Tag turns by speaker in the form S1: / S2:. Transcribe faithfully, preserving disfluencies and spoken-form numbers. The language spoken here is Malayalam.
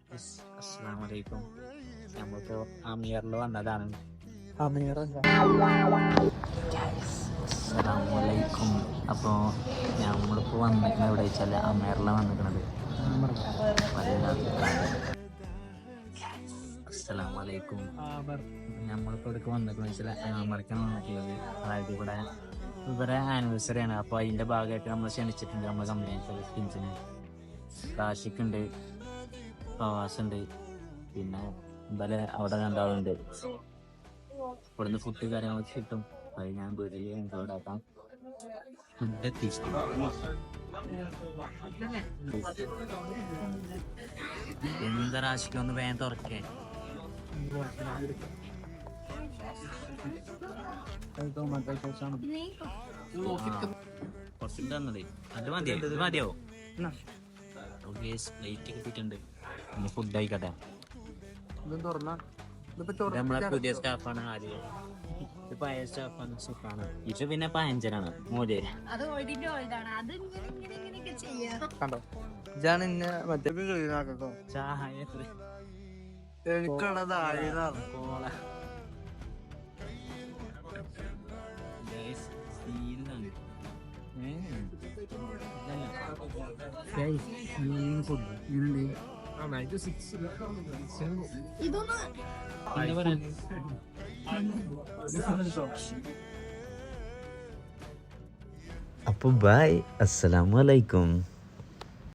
S1: അസ്സലാമലൈക്കും. നമ്മളിപ്പോ അമീറിൽ വന്നതാണ്. അസ്സലാമലൈക്കും. അപ്പോൾ നമ്മളിപ്പോൾ വന്നിരിക്കുന്നത് എവിടെ വെച്ചാൽ അമീറിലാണ് വന്നിരിക്കുന്നത്. അസ്സലാമലൈക്കും. നമ്മളിപ്പോൾ ഇവിടേക്ക് വന്നിരിക്കുന്നത് വെച്ചാൽ അമേരിക്കാണ് വന്നിട്ടുള്ളത്. അതായത് ഇവിടെ ഇവരെ ആനിവേഴ്സറി ആണ്. അപ്പോൾ അതിൻ്റെ ഭാഗമായിട്ട് നമ്മൾ ക്ഷണിച്ചിട്ടുണ്ട്. നമ്മൾ കമ്പനി സ്കിൻസിന് കാശിക്കുണ്ട്, പ്രവാസുണ്ട്, പിന്നെ എന്തായാലും അവിടെ രണ്ടാളുണ്ട്. ഇവിടുന്ന് ഫുഡ് കാര്യങ്ങളൊക്കെ കിട്ടും. അത് ഞാൻ വീട്ടിൽ ഇൻക്ലൂഡ് ആക്കാം. ഫുഡ് എത്തിച്ചു എന്താ രാശിക്കൊന്ന് വേഗം തുറക്കേ. കുറച്ചുണ്ട് തന്നത് അത് മതിയോ? ഇത് മതിയോ? ലൈറ്റ് കിട്ടിയിട്ടുണ്ട്. ഇനി ഫുഡ് ആയിക്കട്ടെ. നമ്മളെ പുതിയ സ്റ്റാഫാണ് ആര്യ. ഇത് പഴയ സ്റ്റാഫാണ് സുഖാണ്. ഇത് പിന്നെ പയഞ്ചനാണ് മോര്.
S2: കണ്ടോ ഇതാണ് എന്നെ മറ്റേ
S1: ചായ
S2: എനിക്കുള്ളതാണ്
S1: കോള
S3: അപ്പോൾ ബൈ, അസ്സലാമു അലൈക്കും.